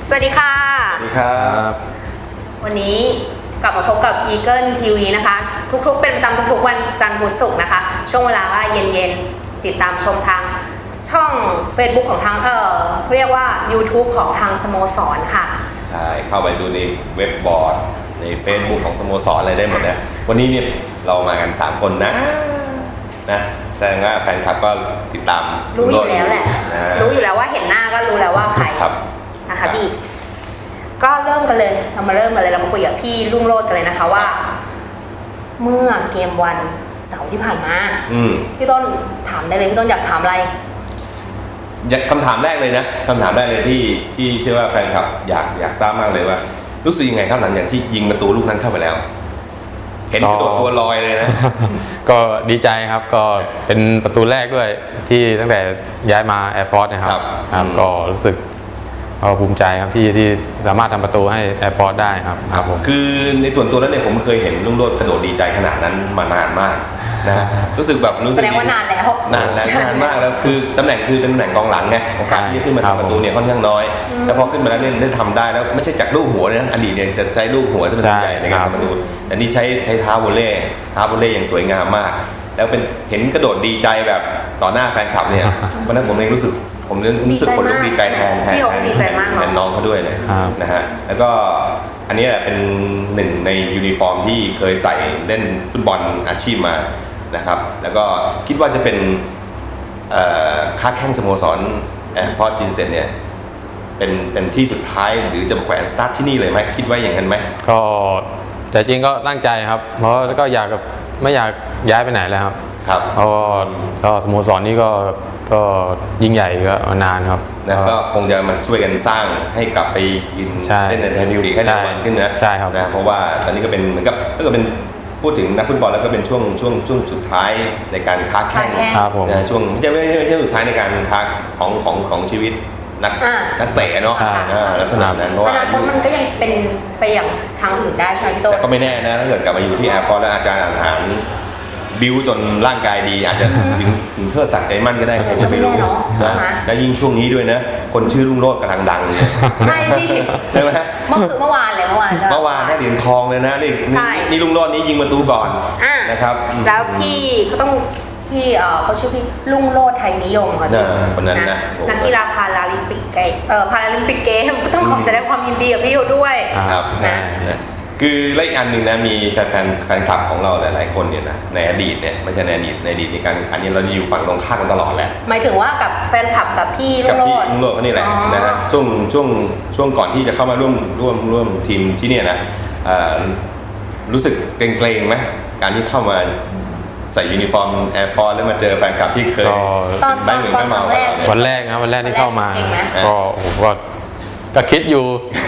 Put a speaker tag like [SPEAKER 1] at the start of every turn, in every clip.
[SPEAKER 1] สวัสดีค่ะ
[SPEAKER 2] สวัสดีครับ
[SPEAKER 1] วันนี้กลับมาพบกับ Eagle TV นะคะทุกๆเป็นประจำทุกๆวันจันทร์พุธศุกร์นะคะช่วงเวลาว่าเย็นๆติดตามชมทางช่อง Facebook ของทางเรียกว่า YouTube ของทางสโมสรค่ะ
[SPEAKER 2] ใช่เข้าไปดูในเว็บบอร์ดใน Facebook ของสโมสรอะไรได้หมดนะวันนี้เนี่ยเรามากัน3คนนะแสดงว่าแฟนคลับก็ติดตาม
[SPEAKER 1] รู้อยู่แล้วแหละรู้อยู่แล้วว่าเห็นหน้าก็รู้แล้วว่าใครนะคะพี่ก็เริ่มกันเลยเรามาเริ่มกันเลยเรามาคุยกับพี่รุ่งโรจน์กันเลยนะคะว่าเมื่อเกมวันเสาร์ที่ผ่านมาพี่ต้นถามได้เลยพี่ต้นอยากถามอะไร
[SPEAKER 2] คำถามแรกเลยนะคำถามแรกเลยที่เชื่อว่าแฟนคลับอยากทราบมากเลยว่ารู้สึกยังไงครับหลังจากที่ยิงประตูลูกนั้นเข้าไปแล้วเห็นกระโดดตัวลอยเลยนะ
[SPEAKER 3] ก็ดีใจครับก็เป็นประตูแรกด้วยที่ตั้งแต่ย้ายมาแอร์ฟอร์สนะครับก็รู้สึกภูมิใจครับที่สามารถทำประตูให้แอร์ฟอร์สได้ครับผม
[SPEAKER 2] คือในส่วนตัวแล้วเนี่ยผมเคยเห็นลุงโรจน์กระโดดดีใจขนาดนั้นมานานมากนะรู้สึกแบบรู้สึก
[SPEAKER 1] แสดงว่านานแล้ว
[SPEAKER 2] นานมากแล้วคือตำแหน่งคือเป็นตำแหน่งกองหลังไงโอกาสที่จะขึ้นมาทำประตูเนี่ยค่อนข้างน้อยแล้วพอขึ้นมาแล้วเนี่ยได้ทำได้แล้วไม่ใช่จากลูกหัวนะอดีตเนี่ยจะใช้ลูกหัวที่มันใหญ่ในการทำประตูแต่นี่ใช้เท้าวอลเล่อย่างสวยงามมากแล้วเป็นเห็นกระโดดดีใจแบบต่อหน้าแฟนคลับเนี่ยวันนั้นผมเองรู้สึกขนลุกดีใจแทนน้องเขาด้วยเลยนะฮะแล้วก็อันนี้แหละเป็นหนึ่งในยูนิฟอร์มที่เคยใส่เล่นฟุตบอลอาชีพมานะครับแล้วก็คิดว่าจะเป็นค้าแข้งสโมสรแอร์ฟอร์สยูไนเต็ดเนี่ยเป็นที่สุดท้ายหรือจะแขวนสตาร์ทที่นี่เลยไหมคิดว่าอย่างนั้นไหม
[SPEAKER 3] ก็แต่จริงก็ตั้งใจครับเพราะก็ไม่อยากย้ายไปไหนแล้วครับเพราะก็สโมสรนี้ก็ยิ่งใหญ่ก็นานครับ
[SPEAKER 2] แล้วก็คงจะมาช่วยกันสร้างให้กลับไปยืนเล่นในไทยพรีเมียร์ลีกให้นานขึ้นนะ
[SPEAKER 3] ใช่ครับ
[SPEAKER 2] นะเพราะว่าตอนนี้ก็เป็นเหมือนกับถ้าเกิดเป็นพูดถึงนักฟุตบอลแล้วก็เป็นช่วงสุดท้ายในการค้าแข่งนะช่วงไม่ใช่สุดท้ายในการค้าของชีวิตนักเตะเนาะลักษณะนั้นเพราะว่าอายุ
[SPEAKER 1] มันก็ยังเป็นไปอย่างทางอื่นได้ใช่ไหมพี่โต้
[SPEAKER 2] แต่ก็ไม่แน่นะถ้าเกิดกลับมาอยู่ที่แอร์ฟอร์สแล้วอาจารย์อาหารบิวจนร่างกายดีอาจจะถึงเทิดศักดิ์ใจมั่นก็ได้ใครจะไปรู้นะแล้วยิ่งช่วงนี้ด้วยนะคนชื่อรุ่งโรจน์กำลังดัง
[SPEAKER 1] ใช่พี่
[SPEAKER 2] ใช่ไหม
[SPEAKER 1] เมื่อวาน
[SPEAKER 2] ได้เหรียญทองเลยนะนี่รุ่งโรจน์นี้ยิงประตูก่อนนะครับ
[SPEAKER 1] แล้วพี่เขาชื่อพี่รุ่งโรจน์ไทยนิยมค่ะ
[SPEAKER 2] คนนั้นนะ
[SPEAKER 1] นักกีฬาพาราลิมปิกเกมก็ต้องขอแสดงความยินดีกับพี่ด้วย
[SPEAKER 2] ครับนะคือและอีกอันหนึ่งนะมีแฟนคลับของเราหลายๆคนเนี่ยนะในอดีตเนี่ยไม่ใช่ในอดีตในการแข่งขันเนี่ยเราจะอยู่ฝั่งตรงข้ามกันตลอดแหละ
[SPEAKER 1] หมายถึงว่ากับแฟนคลับกับพี่รุ่งโรจน์
[SPEAKER 2] เขานี่แหละนะฮะช่วงก่อนที่จะเข้ามาร่วมทีมที่เนี่ยนะรู้สึกเกรงไหมการที่เข้ามาใส่ยูนิฟอร์มแอร์ฟอร์สแล้วมาเจอแฟนคลับที่เคยไม่เหมือนไม่เมา
[SPEAKER 3] วันแรกที่เข้ามาก็ก็คิดอยู่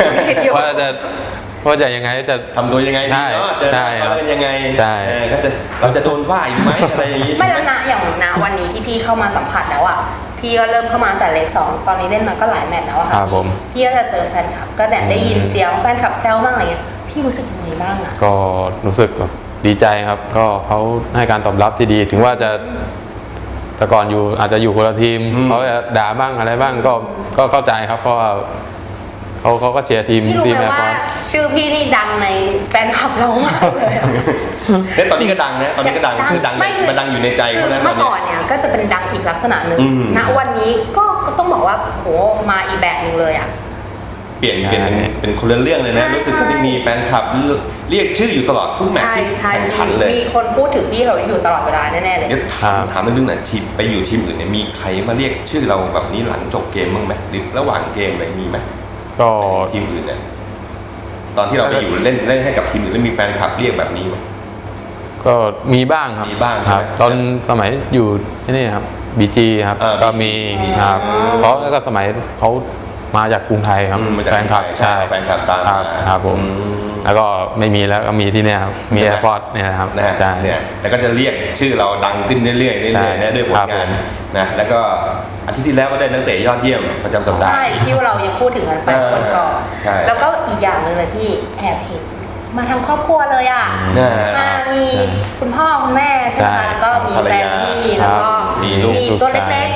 [SPEAKER 3] ว่าจะยังไงจะ
[SPEAKER 2] ทำตัวยังไงดีเนาะเจอเราเป็นยังไงก็จะเราจะโดนว่าอีกไหมอะไรอย่างนี้
[SPEAKER 1] ไม่แล้วนะอย่างนะวันนี้ที่พี่เข้ามาสัมผัสแล้วอ่ะพี่ก็เริ่มเข้ามาแต่เลข2ตอนนี้เล่นมาก็หลายแมตช์แล้วค่ะพี่ก็จะเจอแฟนคลับก็ได้ยินเสียงแฟนคลับแซวบ้างอะไรเงี้ยพี่รู้สึกยังไงบ้างอ่ะ
[SPEAKER 3] ก็รู้สึกดีใจครับก็เขาให้การตอบรับที่ดีถึงว่าจะแต่ก่อนอยู่อาจจะอยู่คนละทีมเขาจะด่าบ้างอะไรบ้างก็เข้าใจครับเพราะว่าเขาก็เชียร์ทีม
[SPEAKER 1] แอร์ฟอร์สชื่อพี่นี่ดังในแฟนคลับเรามากเลย
[SPEAKER 2] แล้วตอนนี้ก็ดังนะตอนนี้ก็ดังคือดังมันดังอยู่ในใจเขา
[SPEAKER 1] เมื่อก่อนเนี่ยก็จะเป็นดังอีกลักษณะหนึ่งณวันนี้ก็ต้องบอกว่าโหมาอีกแบบนึงเลยอ่ะ
[SPEAKER 2] เปลี่ยนเป็นคนละเรื่องเลยนะรู้สึกว่ามีแฟนคลับเรียกชื่ออยู่ตลอดทุกแมตช์ที่แข่งขันเลย
[SPEAKER 1] มีคนพูดถึงพี่เขาอยู่ตลอดเวลาแน่ๆเลย
[SPEAKER 2] ถามเรื่องไหนทีมไปอยู่ทีมอื่นเนี่ยมีใครมาเรียกชื่อเราแบบนี้หลังจบเกมบ้างไหมหรือระหว่างเกมอะไรมีไหม
[SPEAKER 3] ก็
[SPEAKER 2] ทีมอื่นเนี่ยตอนที่เราไปอยู่เล่นให้กับทีมอื่นแล้วมีแฟนคลับเรียกแบบนี้ไหม
[SPEAKER 3] ก็มีบ้างครับ
[SPEAKER 2] ครับ
[SPEAKER 3] ตอนสมัยอยู่ที่นี่ครับBGครับก็มีครับเพราะแล้วก็สมัยเขามาจากกรุงไทยครับ
[SPEAKER 2] แฟนคลับใช่แฟนคลับตาม
[SPEAKER 3] ครับผมแล้วก็ไม่มีแล้วก็มีที่นี่ครับมีแอร์ฟอร์สเนี่ยครับ
[SPEAKER 2] ใช่เนี่ยแล้วก็จะเรียกชื่อเราดังขึ้นเรื่อยๆนะด้วยผลงานนะแล้วก็อาทิตย์ที่แล้วก็ได้นักเตะยอดเยี่ยมประจำสัปดาห์
[SPEAKER 1] ใช่ที่เรายังพูดถึงกันไปคนก่อนแล้วก็อีกอย่างนึงเลยพี่แอบเห็นมาทั้งครอบครัวเลยอ่ะมีคุณพ่อคุณแม่ใช่ไหมแล้วก็มีแฟนพี่แล้วก็มีตัวเล็กๆ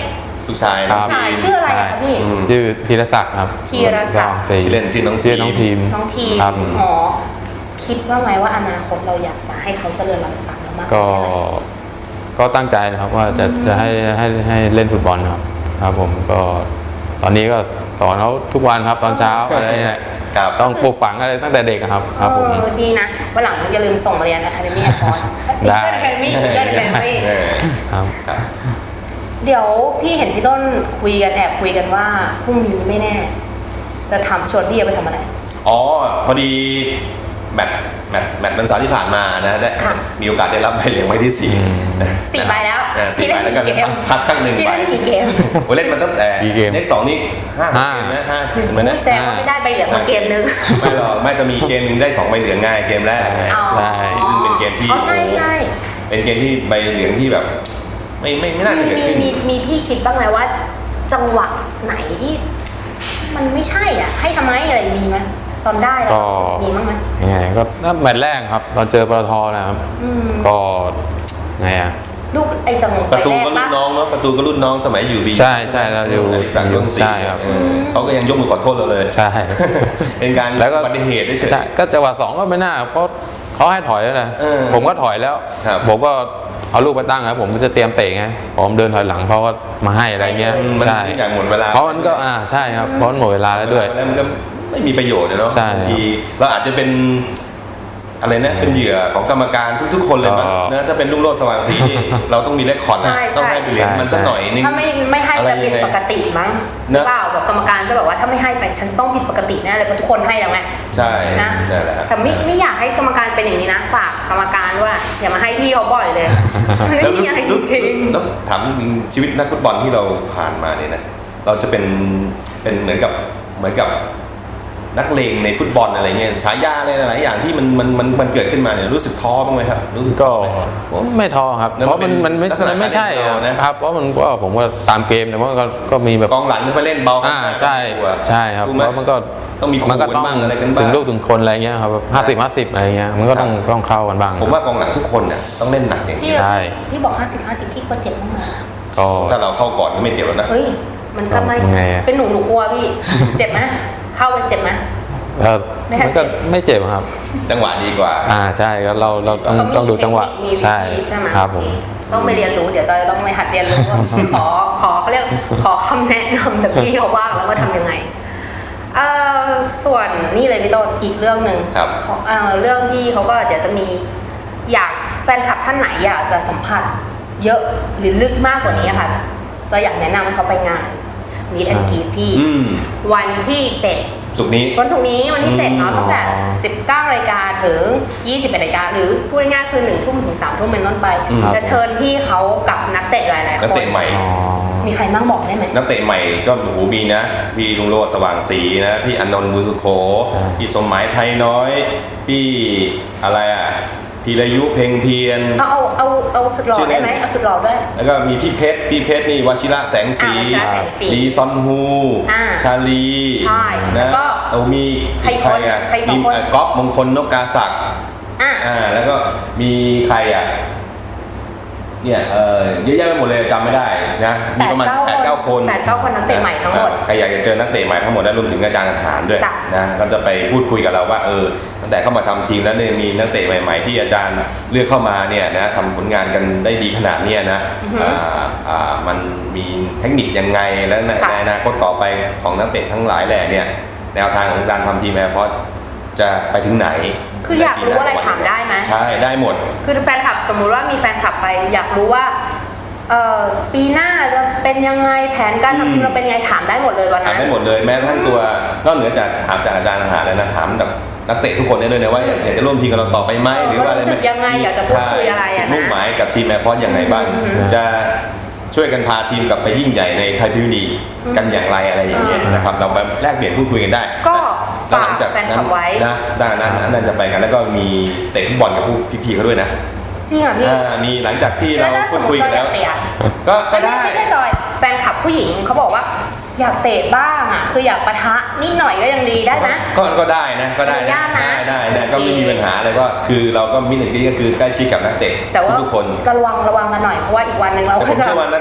[SPEAKER 2] ลูกชาย
[SPEAKER 3] ครับ
[SPEAKER 1] ชายชื่ออะไรอะคะพี่
[SPEAKER 3] ชื่อธีรศักดิ์ครับ
[SPEAKER 1] ธีรศักดิ์
[SPEAKER 2] ชื่อเล่นชื่อน้อง
[SPEAKER 3] ชื่อน้องทีม
[SPEAKER 1] น้องที
[SPEAKER 3] ครับ
[SPEAKER 1] อ๋อคิดว่าไงว่าอนาคตเราอยากจะให้เขาเจริญรอยตามเรามาก
[SPEAKER 3] ก็
[SPEAKER 1] แค่ไหน
[SPEAKER 3] ก็ตั้งใจนะครับว่าจะให้เล่นฟุตบอลครับครับผมก็ตอนนี้ก็สอนเขาทุกวันครับตอนเช้าอะไรเนี่ย
[SPEAKER 2] ครับ
[SPEAKER 3] ต้องปลูกฝังอะไรตั้งแต่เด็กอะครับครับผม
[SPEAKER 1] ดีนะวันหลังอย่าลืมส่งมาเรียนอะคาเดมี่แอร์ฟอร์
[SPEAKER 3] ได้
[SPEAKER 1] อะคาเดมี่อะคาเดมี่
[SPEAKER 3] ครับ
[SPEAKER 2] ครับ
[SPEAKER 1] เดี๋ยวพี่เห็นพี่ต้นคุยกันแอบคุยกันว่าพรุ่งนี้ไม่แน่ จะทำชวนพี่ไปทำอะไร
[SPEAKER 2] อ๋อพอดีแมตช์วันเสาร์ที่ผ่านมานะได้
[SPEAKER 1] ค่ะ
[SPEAKER 2] มีโอกาสได้รับใบเหลืองใบที่สี่นะ
[SPEAKER 1] สี่ใบแล้ว
[SPEAKER 2] สี่ใบแล้วก็
[SPEAKER 1] พี่เล่นกี่เกม
[SPEAKER 2] พักข้างหนึ่ง
[SPEAKER 1] พี่
[SPEAKER 2] ใบ
[SPEAKER 1] เล่นกี่เกม
[SPEAKER 2] โอ้เล่นมาตั้งแต่
[SPEAKER 3] กี่เกม
[SPEAKER 2] เลขสองนี่ห้าเกมนะห้าเกมนะ
[SPEAKER 1] แสดงว่าไม่ได้ใบเหลืองมาเกมนึง
[SPEAKER 2] ไม่หรอกไม่จะมีเกมหนึงได้2ใบเหลืองง่ายเกมแรกไง
[SPEAKER 1] อ๋อ
[SPEAKER 3] ใช่
[SPEAKER 2] ซึ่งเป็นเกมที่
[SPEAKER 1] อ๋อใช่ใช่
[SPEAKER 2] เป็นเกมที่ใบเหลืองที่แบบ ไม่น่าจะเกิดขึ้น
[SPEAKER 1] มีพี่คิดบ้างไหมว่า จังหวะไหนที่ มันไม่ใช่อ่ะ ให้ทำไมอะไรมีไหมตอนได้แล้ว
[SPEAKER 3] ก็
[SPEAKER 1] มีบ้างไหม
[SPEAKER 3] ยังไงก็แมตช์แรกครับเราเจอปตทนะครับ
[SPEAKER 1] อืม
[SPEAKER 3] ก็ไงอะ
[SPEAKER 1] ลูกไอ้จังหวะ
[SPEAKER 2] ประตูก็
[SPEAKER 1] แร
[SPEAKER 2] รุ่น
[SPEAKER 1] ปะ
[SPEAKER 2] น้องเนาะประตูก็รุ่นน้องสมัยอยู่บี
[SPEAKER 3] ใช่ใช่เราอยู่
[SPEAKER 2] อดิศักดิ์ดวงศรี
[SPEAKER 3] ใช่ครับ
[SPEAKER 2] เขาก็ยังยกมือขอโทษเราเลย
[SPEAKER 3] ใช่
[SPEAKER 2] เป็นการ
[SPEAKER 3] แล้วก็
[SPEAKER 2] อุบัติเหตุเฉย
[SPEAKER 3] ใช่ก็จังหวะสองก็ไม่น่าเพราะเขาให้ถอยแล้วนะ
[SPEAKER 2] เออ
[SPEAKER 3] ผมก็ถอยแล้ว
[SPEAKER 2] ครับ
[SPEAKER 3] ผมก็เอาลูกไปตั้งครับผมจะเตรียมเตะไงผมเดินถอยหลังเขาก็มาให้อะไรเงี้ย
[SPEAKER 2] มัน
[SPEAKER 3] ใช่
[SPEAKER 2] ทุกอย่างหมดเวลา
[SPEAKER 3] เพราะมันก็ใช่ครับเพราะมันหมดเวลาแล้วด้วย
[SPEAKER 2] แล้วมันก็ไม่มีประโยชน์เลยเนาะ
[SPEAKER 3] ใช่
[SPEAKER 2] บางทีเราอาจจะเป็นอะไรนะเป็นเหยื่อของกรรมการทุกๆคนเลยมั้ง
[SPEAKER 3] อ๋อ
[SPEAKER 2] นะถ้าเป็นลุงโรจน์สว่างศรีนี่ เราต้องมีเรคคอร์ดนะ
[SPEAKER 1] ใช่
[SPEAKER 2] ต้องให้ไปเหรียญ
[SPEAKER 3] ใช่
[SPEAKER 2] มันสักหน่อยนึง
[SPEAKER 1] ถ้าไม่ให้
[SPEAKER 2] อะไร
[SPEAKER 1] จะผิด
[SPEAKER 2] ยังไง
[SPEAKER 1] ปกติมั้ง
[SPEAKER 2] เนอะ
[SPEAKER 1] เปล่าแบบกรรมการจะแบบว่าถ้าไม่ให้ไปฉันต้องผิดปกติแน่เลยเพราะทุกคนให้แล้วไง
[SPEAKER 2] ใช่
[SPEAKER 1] นะ
[SPEAKER 2] นั่นแหละครับ
[SPEAKER 1] แต่ไม่อยากให้กรรมการเป็นอย่างนี้นะฝากกรรมการว่าอย่ามาให้พี่เขาบ่อยเลยมัน
[SPEAKER 2] แล้ว
[SPEAKER 1] ไม่
[SPEAKER 2] รู้
[SPEAKER 1] มีอะไร
[SPEAKER 2] สึก
[SPEAKER 1] จริง
[SPEAKER 2] แล้วถามจริงชีวิตนักฟุตบอลที่เราผ่านมาเนี่ยนะเราจะเป็นเหมือนกับนักเลงในฟุตบอลอะไรเงี้ยฉายาอะไรหลายๆอย่างที่มันเกิดขึ้นมาเนี่ยรู้สึกท้อบ้างไหมครับรู้สึก
[SPEAKER 3] ก็
[SPEAKER 2] ท้อไหม
[SPEAKER 3] ผมไม่ท้อครับ
[SPEAKER 2] แล้ว
[SPEAKER 3] เพราะมัน
[SPEAKER 2] มันเป็น
[SPEAKER 3] ไม่
[SPEAKER 2] ลักษณะ
[SPEAKER 3] มันไม่ใช่
[SPEAKER 2] การเล่นของเรานะ
[SPEAKER 3] ครับเพราะมันก็ผมว่าตามเกมแต่ว่าก็มีแบบ
[SPEAKER 2] กองหลังที่มาเล่นเบา
[SPEAKER 3] ใช่ใช่ครับ
[SPEAKER 2] ถูกไหม
[SPEAKER 3] เพราะมันก็
[SPEAKER 2] ต้องมีขู่
[SPEAKER 3] มันก็ต้อง
[SPEAKER 2] กันบ้างอะไรกันบ้าง
[SPEAKER 3] ถึงลูกถึงคนอะไรเงี้ยครับ50-50อะไรเงี้ยมันก็ต้องเข้ากันบ้าง
[SPEAKER 2] ผมว่ากองหลังทุกคนน่ะต้องเล่นหนักอย่าง
[SPEAKER 1] พี่
[SPEAKER 2] นี้
[SPEAKER 3] ใช่
[SPEAKER 1] พี่บอก50-50พี่กลัวเจ็บบ้างไหม
[SPEAKER 3] ก็
[SPEAKER 2] ถ้าเราเข้าก่อนก็ไม่เจ็บแล้วนะ
[SPEAKER 1] เฮ้ยมันก็ไม่
[SPEAKER 3] ไงอะ
[SPEAKER 1] เป็นหนูกลัวพี่ เจ็บไหมเข้าไปเจ็บไหม
[SPEAKER 3] แล้ว
[SPEAKER 1] ไม่ทัน
[SPEAKER 3] มันก็ไม่เจ็บครับ
[SPEAKER 2] จังหวะดีกว่า
[SPEAKER 3] ใช่ก็เราต้องดูจังหวะ
[SPEAKER 1] มีวิธี
[SPEAKER 3] ใช่
[SPEAKER 1] ใช่ไหม
[SPEAKER 3] ครับผม
[SPEAKER 1] ต้องไปเรียนรู้เดี๋ยวจอยต้องไปหัดเรียนรู้ว่าขอเขาเรียกขอคำแนะนำจากพี่เขาว่างแล้วว่าทำยังไงส่วนนี่เลยพี่ต้นอีกเรื่องหนึ่ง
[SPEAKER 2] ครับ
[SPEAKER 1] เรื่องที่เขาก็เดี๋ยวจะมีอยากแฟนคลับท่านไหนอยากจะสัมผัสเยอะหรือลึกมากกว่านี้ค่ะจะอยากแนะนำให้เขาไปงานมีดแอนกีพี่
[SPEAKER 2] อืม
[SPEAKER 1] วันที่ 7
[SPEAKER 2] สุกร์นี้
[SPEAKER 1] วันศุกร์นี้วันที่ 7 เนาะ
[SPEAKER 3] อืม
[SPEAKER 1] ตั้งแต่ 19 นาฬิกาถึง 21 นาฬิกาหรือพูดง่ายๆคือ 1 ทุ่มถึง 3 ทุ่มเป็นต้นไป
[SPEAKER 2] อืม
[SPEAKER 1] จะเชิญพี่เขากับนักเตะหลายๆ
[SPEAKER 2] นัก
[SPEAKER 1] คน
[SPEAKER 2] เตะใหม่
[SPEAKER 3] อ๋อ
[SPEAKER 1] มีใครบ้างบอกได้ไหม
[SPEAKER 2] นักเตะใหม่ก็โอ้โหมีนะพี่ลุงโรจน์สว่างศรีนะพี่อนนท์บุญสุโข
[SPEAKER 3] ใช่
[SPEAKER 2] พี่สมหมายไทยน้อย พี่อะไรอ่ะพีรยุเพ็งเพียร
[SPEAKER 1] เอาสุดหล่อ
[SPEAKER 2] ชื่อเล่
[SPEAKER 1] ได้
[SPEAKER 2] น
[SPEAKER 1] ไหมเอาสุดหล่อด้วย
[SPEAKER 2] แล้วก็มีพี่เพชรนี่วชิระแสงสี
[SPEAKER 1] วชิระแสงสี
[SPEAKER 2] ลีซอนฮู
[SPEAKER 1] อ่า
[SPEAKER 2] ชาลี
[SPEAKER 1] ใช่แล้
[SPEAKER 2] นะ
[SPEAKER 1] วก็
[SPEAKER 2] เอามี
[SPEAKER 1] ใคร
[SPEAKER 2] ใครอ่ะ
[SPEAKER 1] ใครสอง
[SPEAKER 2] มี
[SPEAKER 1] คน
[SPEAKER 2] ก๊อฟมงคลนกกาศักดิ์
[SPEAKER 1] อ่ะ
[SPEAKER 2] แล้วก็มีใครอ่ะเนี่ยเยอะแยะไปหมดเลยจำไม่ได้นะมีประมาณ 8-9 คน
[SPEAKER 1] 8-9 คนนักเตะใหม่ทั้งหมด
[SPEAKER 2] ใครอยากจะเจอนักเตะใหม่ทั้งหมดและรวมถึงอาจารย์ทหารด้วย
[SPEAKER 1] จ้ะ
[SPEAKER 2] นะก็จะไปพูดคุยกับเราว่าตั้งแต่เข้ามาทำทีมแล้วเนี่ยมีนักเตะใหม่ ๆ ที่อาจารย์เลือกเข้ามาเนี่ยนะทำผลงานกันได้ดีขนาดเนี้ยนะมันมีเทคนิคยังไงและใน
[SPEAKER 1] ค่ะ
[SPEAKER 2] อนาคตต่อไปของนักเตะทั้งหลายแหล่เนี่ยแนวทางของการทำทีมแอร์ฟอร์สจะไปถึงไหน
[SPEAKER 1] คืออยากรู้อะไรถามได้ไหม
[SPEAKER 2] ใช่ได้หมด
[SPEAKER 1] คือแฟนคลับสมมุติว่ามีแฟนคลับไปอยากรู้ว่าปีหน้าจะเป็นยังไงแผนการทำทีมเราเป็นไงถามได้หมดเลยวัน
[SPEAKER 2] ถาม
[SPEAKER 1] นั้น
[SPEAKER 2] ได้หมดเลยแม้กระทั่งตัวนอกเหนือจากถามจากอาจารย์ทหารแล้วนะถามกับนักเตะทุกคนได้เลยนะว่าอยากจะร่วมทีมกับเราต่อไปไหมหรือว่าอะไร
[SPEAKER 1] รู้สึกยังไงอยากจะพูดคุยอะไร
[SPEAKER 2] จุ
[SPEAKER 1] อะ
[SPEAKER 2] ด
[SPEAKER 1] นะ
[SPEAKER 2] มุ่งหมายกับทีมแอร์ฟอร์สอย่างไรบ้าง จะช่วยกันพาทีมกลับไปยิ่งใหญ่ในไทยพรีเมียร์ลีกกันอย่างไรอะไรอย่างเงี้ยนะครับเราไปแลกเปลี่ยนพูดคุยกันได้
[SPEAKER 1] ก็
[SPEAKER 2] แล้วหลังจาก
[SPEAKER 1] ฝากแฟนค
[SPEAKER 2] นั้
[SPEAKER 1] ลั
[SPEAKER 2] น
[SPEAKER 1] บไว้
[SPEAKER 2] นะด้านนั้นจะไปกันแล้วก็มีเตะฟุตบอลกับผู้พี่ๆเขาด้วยนะ
[SPEAKER 1] จริงเหรอพี่
[SPEAKER 2] มีหลังจากที่เรา
[SPEAKER 1] แล้วถ้า
[SPEAKER 2] พู
[SPEAKER 1] ส
[SPEAKER 2] ด
[SPEAKER 1] มม
[SPEAKER 2] คุย
[SPEAKER 1] ติ
[SPEAKER 2] กัน
[SPEAKER 1] เราอ
[SPEAKER 2] แล้
[SPEAKER 1] ยาว กเตะอะ
[SPEAKER 2] ก็ได้
[SPEAKER 1] ไม่ใช่จอยแฟนคลับผู้หญิงเขาบอกว่า อยากเตะบ้างอ่ะคืออยากปะทะนิดหน่อยก็ยังดีได้ไหม
[SPEAKER 2] ก็ได้นะก็ได้
[SPEAKER 1] อนุญาตนะ
[SPEAKER 2] ได้ก็ไม่มีปัญหาเลยก็คือเราก็มิตรก็คือใกล้ชิดกับนักเตะ
[SPEAKER 1] แต่ว่า
[SPEAKER 2] ทุกคน
[SPEAKER 1] ระวังกันหน่อยเพราะว่าอีกวันหนึ่งเรา
[SPEAKER 2] แต่ผ
[SPEAKER 1] ก็
[SPEAKER 2] ม
[SPEAKER 1] จะ
[SPEAKER 2] เชื่อว่า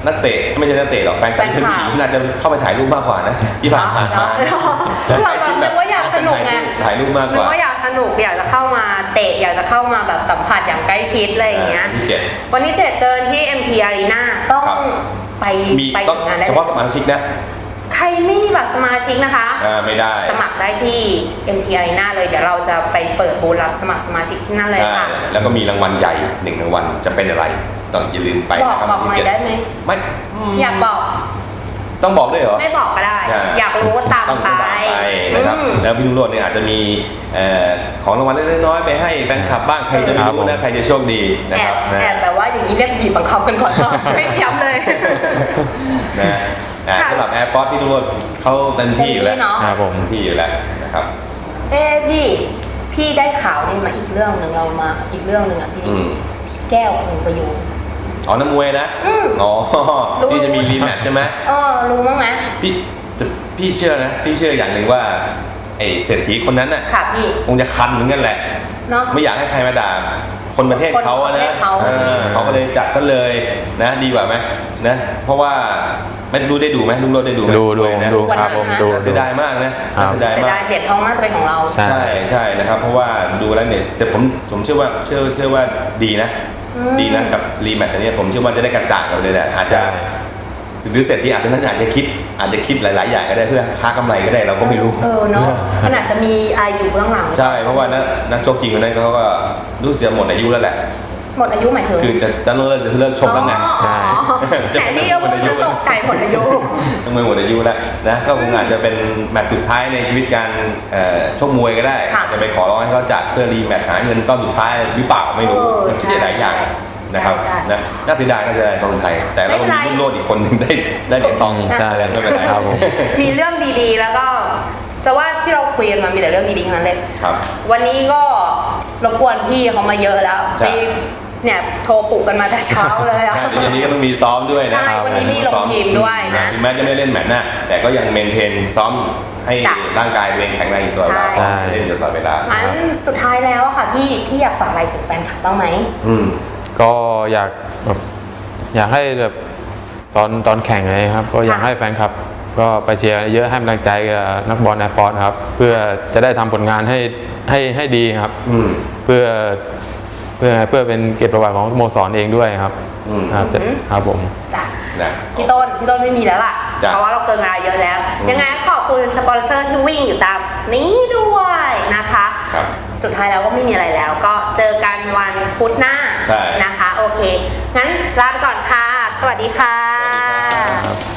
[SPEAKER 2] นักเตะไม่ใช่นักเตะหรอกแฟนคลับผู้หญิงน่าจะเข้าไปถ่ายรูปมากกว่านะที่ผ่านมา
[SPEAKER 1] เราแบบนึกว่าอยากสนุกไง
[SPEAKER 2] ถ่ายรูปมากก
[SPEAKER 1] นึก
[SPEAKER 2] ว่า
[SPEAKER 1] ว่าอยากสนุกอยากจะเข้ามาเตะอยากจะเข้ามาแบบสัมผัสอย่างใกล้ชิดอะไรอย่างเงี้ย
[SPEAKER 2] ที่เจ็ด
[SPEAKER 1] วันที่ 7 เจอที่ MT Arena ต้อง
[SPEAKER 2] ครับ
[SPEAKER 1] ไป
[SPEAKER 2] มี
[SPEAKER 1] ไป
[SPEAKER 2] ต้อง
[SPEAKER 1] ถึงงานได้
[SPEAKER 2] เฉพาะสมาชิกนะ
[SPEAKER 1] ใครไม่มีบัตรสมาชิกนะคะ
[SPEAKER 2] ไม่ได้
[SPEAKER 1] สมัครได้ที่ MT Arena เลยเดี๋ยวเราจะไปเปิดบูธรับสมัครสมาชิกที่นั่นเลย
[SPEAKER 2] ใช่
[SPEAKER 1] ค่ะ
[SPEAKER 2] แล้วก็มีรางวัลใหญ่1รางวัลจะเป็นอะไรต้องอย่าลืมไป
[SPEAKER 1] บอก
[SPEAKER 2] นะครับ
[SPEAKER 1] บอกหน่อยได้ไหม
[SPEAKER 2] ไม่
[SPEAKER 1] อยากบอก
[SPEAKER 2] ต้องบอกด้วยเหรอ
[SPEAKER 1] ไม่บอกก็ได้
[SPEAKER 2] ใช่
[SPEAKER 1] อยากรู้ก็ตาม
[SPEAKER 2] ต้อง
[SPEAKER 1] ไป
[SPEAKER 2] ตามไปนะครับ แล้วพี่นุ่งโรจน์เนี่ยอาจจะมีของรางวัลเล็กๆน้อยๆไปให้แฟนคลับบ้างใครจะไม่รู้นะใครจะโชคดีนะ
[SPEAKER 1] แอ
[SPEAKER 2] ครับ บนะ
[SPEAKER 1] แอบแบบว่าอย่างนี้เรียกบีบบังคับกันก่อนก็ไม่ย้ำเลย
[SPEAKER 2] นะสำหรับแอร์พอร์ตพี่นุ่งโรจน์เขาเต็มที่อยู่แล้ว
[SPEAKER 1] เต็มที่เนอะ
[SPEAKER 3] ครับผม
[SPEAKER 2] เต็มที่อยู่แล้วนะครับ
[SPEAKER 1] พี่ได้ข่าวนี่มาอีกเรื่องหนึ่งเรามาอีกเรื่องหนึ่งอ่ะพี่
[SPEAKER 2] อืม
[SPEAKER 1] พี่แก้วคงประยูน
[SPEAKER 2] อ๋อนักมวยนะ
[SPEAKER 1] อืม
[SPEAKER 2] อ๋อ
[SPEAKER 1] รู้
[SPEAKER 2] ที่จะมีรีแมตช์ใช่ไหม
[SPEAKER 1] รู้มั้งไหม
[SPEAKER 2] พี่เชื่อนะพี่เชื่ออย่างหนึ่งว่าไอ้เศรษฐีคนนั้นน่ะ
[SPEAKER 1] ค่ะพี่
[SPEAKER 2] คงจะคันเหมือนกันแหละ
[SPEAKER 1] เนาะ
[SPEAKER 2] ไม่อยากให้ใครมาด่าคนประเทศเขาอะ
[SPEAKER 1] คนประ
[SPEAKER 2] นะ
[SPEAKER 1] เทศเขา
[SPEAKER 2] เขาก็เลยจัดซะเลยนะดีกว่าไหมนะเพราะว่าไม่รู้ได้ดูไหมลุงโรจน์ได้ดูไหม
[SPEAKER 3] ดู
[SPEAKER 2] นะ
[SPEAKER 3] ดูครับผมดู
[SPEAKER 2] เสียดายมากนะน่าเสียดาย
[SPEAKER 1] เสีย
[SPEAKER 2] มาก
[SPEAKER 1] ดายเหรียญทองน่าจะเป็นของเรา
[SPEAKER 3] ใช่
[SPEAKER 2] ใช่นะครับ เพราะว่าดูแล้วเนี่ยแต่ผมเชื่อว่าเชื่อว่าดีนะ ดีนะกับรีแมตช์อันเนี้ยผมเชื่อว่าจะได้กระจ่างกันเลยแหละอาจจะ
[SPEAKER 3] ใช่
[SPEAKER 2] หรือเศรษฐีอาจจะนั้นอาจจะคิดหลาย ๆ อย่างก็ได้เพื่อค้ากำไรก็ได้เราก็ไม่รู้
[SPEAKER 1] เนาะมันอาจจะมีอะไรอยู่เบื้องหลัง
[SPEAKER 2] ใช่เพราะว่านักชกจริงคนนั้นเขาก็รู้สึกจะหมดอายุแล้วแหละ
[SPEAKER 1] หมดอายุหมายถึง
[SPEAKER 2] คือจะเลิกชกแล้วไง
[SPEAKER 1] อ๋อแต่นี่ก็พูดจะตกใจหมดอายุ
[SPEAKER 2] ต้องไม่หมดอายุแล้วนะก็คงอาจจะเป็นแมตช์สุดท้ายในชีวิตการชกมวยก็ได้
[SPEAKER 1] ค่ะ
[SPEAKER 2] อาจจะไปขอร้องให้เขาจัดเพื่อรีแมตช์หาเงินก้อนสุดท้ายหรือเปล่าไม่รู้มันคิดได้หลายอย่างนะครับ
[SPEAKER 1] ใช่
[SPEAKER 2] นะน่าเสียดายของไทย แต่เรา
[SPEAKER 1] ไม่
[SPEAKER 2] ก็
[SPEAKER 1] เป็นไร
[SPEAKER 2] มีรุ่นโลดอีกคนหนึ่งได้เหรียญทอง
[SPEAKER 3] ใช่
[SPEAKER 2] ไม่เป็นไร
[SPEAKER 3] ครับผม
[SPEAKER 1] มีเรื่องดีๆ แล้วก็จะว่าที่เราคุยกันมามีแต่เรื่องดีๆทั้งนั้นเลย
[SPEAKER 2] ครับ
[SPEAKER 1] วันนี้ก็รบกวนพี่เขามาเยอะแล้ว
[SPEAKER 2] ใช่
[SPEAKER 1] ที่เนี่ยโทรปลุกกันมาแต่เช้าเลยอะ
[SPEAKER 2] ใช่เดี๋ยวนี้ก็ต้องมีซ้อมด้วยนะ
[SPEAKER 1] ใช่วันนี้มีลงทีมด้วยนะ
[SPEAKER 2] ถึงแม้จะไม่เล่นแมตช์หน้าแต่ก็ยังเมนเทนซ้อมให้
[SPEAKER 1] จ้ะ
[SPEAKER 2] ร่างกายตัวเองแข็งแรงอยู่ตลอดเวลา
[SPEAKER 1] ใช่
[SPEAKER 2] เล่นอยู่ตลอดเวลา
[SPEAKER 1] งั้นสุดท้ายแล้วอะค่ะพี่อยากฝากอะไรถึงแฟนคลับบ้างไหม
[SPEAKER 2] อืม
[SPEAKER 3] ก็อยากแบบอยากให้แบบตอนแข่งเลยครับ ก็อยาก
[SPEAKER 1] ค่ะ
[SPEAKER 3] ให้แฟนคลับ ก็ไปเชียร์เยอะให้กำลังใจกับนักบอลแอร์ฟอร์สครับ เพื่อจะได้ทำผลงานให้ดีครับ
[SPEAKER 2] อืม
[SPEAKER 3] เพื่อเป็นเกียรติประวัติของสโมสรเองด้วยครับ
[SPEAKER 2] อืม
[SPEAKER 3] ครับครับผม
[SPEAKER 1] จ้ะ
[SPEAKER 2] นะ
[SPEAKER 1] พี่ต้นไม่มีแล้วล่ะ
[SPEAKER 2] จ้ะ
[SPEAKER 1] เพราะว่าเราเกินเวลาเยอะแล้ว ยังไงขอบคุณสปอนเซอร์ที่วิ่งอยู่ตามนี้ด้วยนะคะ
[SPEAKER 2] ครับ
[SPEAKER 1] สุดท้ายแล้วก็ไม่มีอะไรแล้ว ก็เจอกันวันพุธหน้า
[SPEAKER 2] ใช่
[SPEAKER 1] นะคะ โอเค งั้นลาไปก่อนค่ะ สวัสดีค่ะ
[SPEAKER 2] สวัสดีครับ